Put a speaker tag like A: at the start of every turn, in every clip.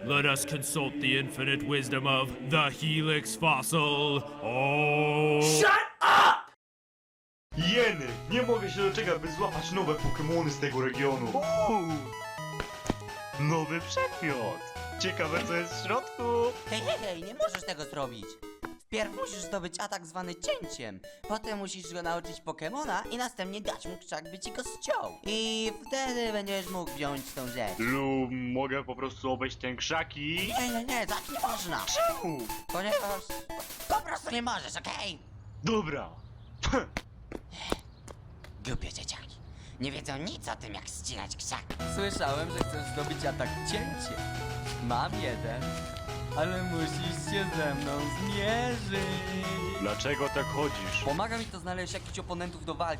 A: let us consult the infinite wisdom of the Helix fossil. Oh.
B: Shut up!
C: Jeny! Nie mogę się doczekać, by złapać nowe Pokemony z tego regionu. Nowy przedmiot! Ciekawe co jest w środku.
B: Hej, nie możesz tego zrobić. Wpierw musisz zdobyć atak zwany cięciem. Potem musisz go nauczyć Pokemona i następnie dać mu krzak, by ci go ściął. I wtedy będziesz mógł wziąć tą rzecz.
C: Lub mogę po prostu obejść ten krzaki?
B: Nie, tak nie można.
C: Czemu?
B: Ponieważ po prostu nie możesz, okej?
C: Dobra.
B: Głupie dzieciaki. Nie wiedzą nic o tym, jak ścinać krzak. Słyszałem, że chcesz zdobyć atak cięcie. Mam jeden, ale musisz się ze mną zmierzyć.
C: Dlaczego tak chodzisz?
B: Pomaga mi to znaleźć jakichś oponentów do walki.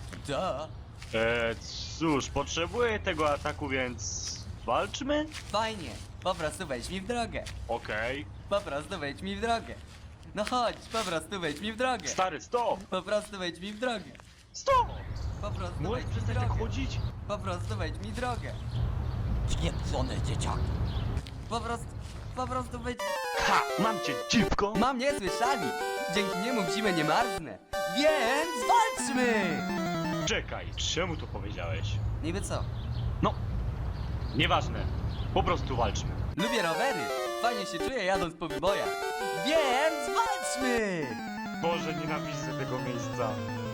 C: Cóż, potrzebuję tego ataku, więc... walczmy?
B: Fajnie, po prostu wejdź mi w drogę.
C: Okej.
B: Po prostu wejdź mi w drogę. No chodź, po prostu wejdź mi w drogę.
C: Stary, stop!
B: Po prostu wejdź mi w drogę.
C: Stop!
B: Po prostu
C: Możesz
B: wejdź mi w
C: przestać tak
B: drogę.
C: chodzić?
B: Po prostu wejdź mi w drogę. Pieprzone dzieciaki. Po prostu wejdź...
C: Ha! Mam cię, dziwko!
B: Mam nie słyszeli. Dzięki niemu w zimę nie marznę. Więc walczmy!
C: Czekaj, czemu to powiedziałeś?
B: Niby co?
C: No, nieważne. Po prostu walczmy.
B: Lubię rowery. Fajnie się czuję jadąc po wybojach. Więc walczmy!
C: Boże, nienawidzę tego miejsca.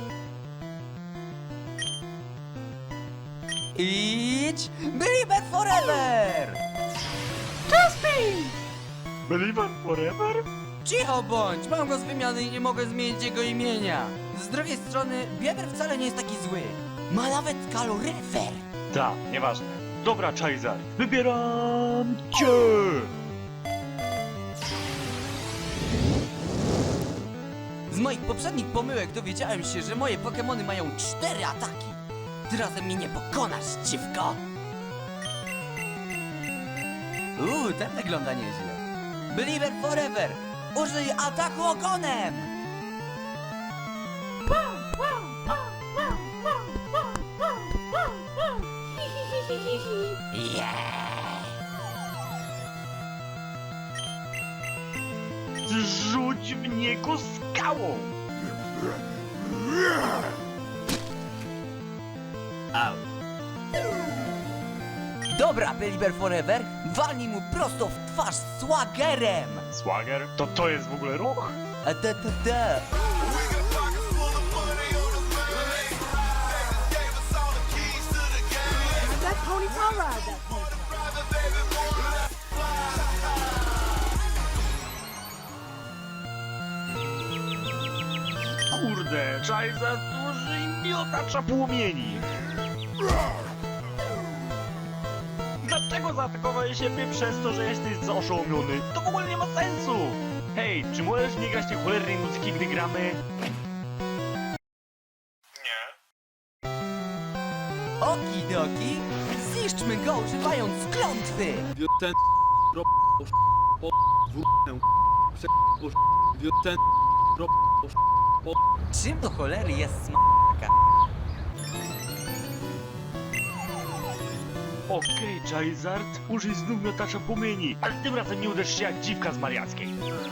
B: Idź! Believer forever!
C: Believer forever?
B: Cicho bądź! Mam go z wymiany i nie mogę zmienić jego imienia. Z drugiej strony, Bieber wcale nie jest taki zły. Ma nawet kaloryfer.
C: Tak, nieważne. Dobra, Charizard, wybieram cię!
B: Z moich poprzednich pomyłek dowiedziałem się, że moje Pokemony mają 4 ataki. Ty razem mnie nie pokonasz, dziwko! Ten wygląda nieźle. Believer forever! Użyj ataku ogonem! Yeah!
C: Rzuć w niego skałą! Au.
B: Dobra, Believer forever! Walnij mu prosto w twarz Swaggerem!
C: Swagger? To jest w ogóle ruch?
B: A ta.
D: That pony car ride, that pony.
C: Kurde, Charizard użyj miotacza płomieni! Dlaczego zaatakowałeś siebie przez to, że jesteś oszołomiony? To w ogóle nie ma sensu! Hej, czy możesz nie grać tej cholernej muzyki, gdy gramy?
B: Okidoki, zniszczmy go używając klątwy!
E: Ten po wrócę ten
B: Czym do cholery jest smaczka?
C: Okej, Charizard, użyj znów miotacza płomieni, ale tym razem nie uderz się jak dziwka z Mariackiej.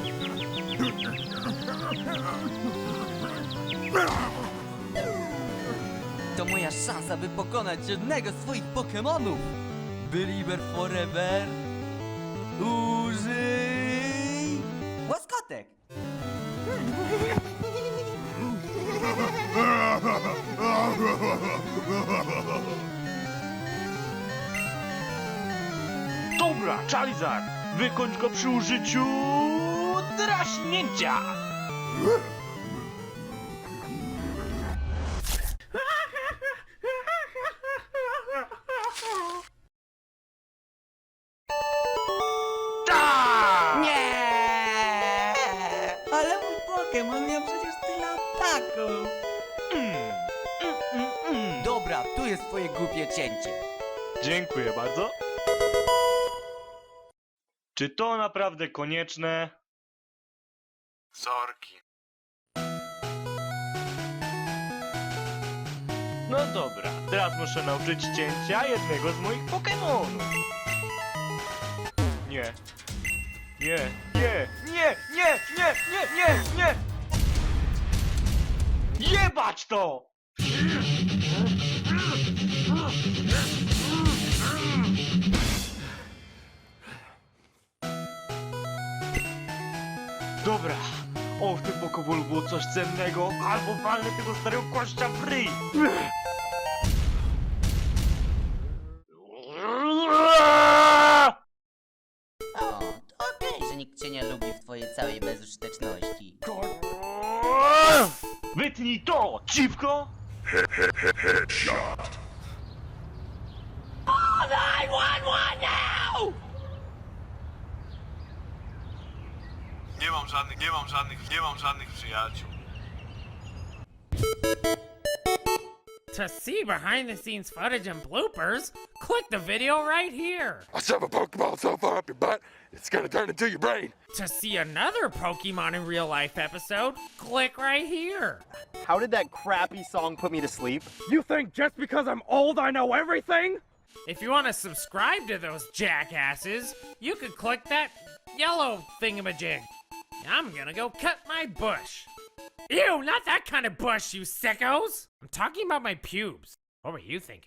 B: To moja szansa, by pokonać jednego z twoich Pokemonów! Believer forever! Użyj... Łaskotek!
C: Dobra, Charizard, wykończ go przy użyciu... draśnięcia! Tak!
B: Nie! Ale mój Pokemon miał przecież tyle ataków! Dobra, tu jest twoje głupie cięcie.
C: Dziękuję bardzo. Czy to naprawdę konieczne?
E: Sorki.
C: No dobra, teraz muszę nauczyć cięcia jednego z moich Pokemonów. Nie, Nie, nie, nie, nie, nie, nie, nie, nie! Jebać to! Dobra, o, w tym pokowolu było coś cennego, albo walnę tego starego kościa w ryj!
B: O, to okej, że nikt cię nie lubi w twojej całej bezużyteczności.
C: Wytnij to, dziwko!
F: Nie mam żadnych przyjaciół.
G: To see behind the scenes footage and bloopers, click the video right here.
F: I shove a Pokeball so far up your butt, it's gonna turn into your brain.
G: To see another Pokemon in real life episode, click right here.
H: How did that crappy song put me to sleep?
I: You think just because I'm old I know everything?
G: If you want to subscribe to those jackasses, you could click that yellow thingamajig. I'm gonna go cut my bush. Ew, not that kind of bush, you sickos! I'm talking about my pubes. What were you thinking?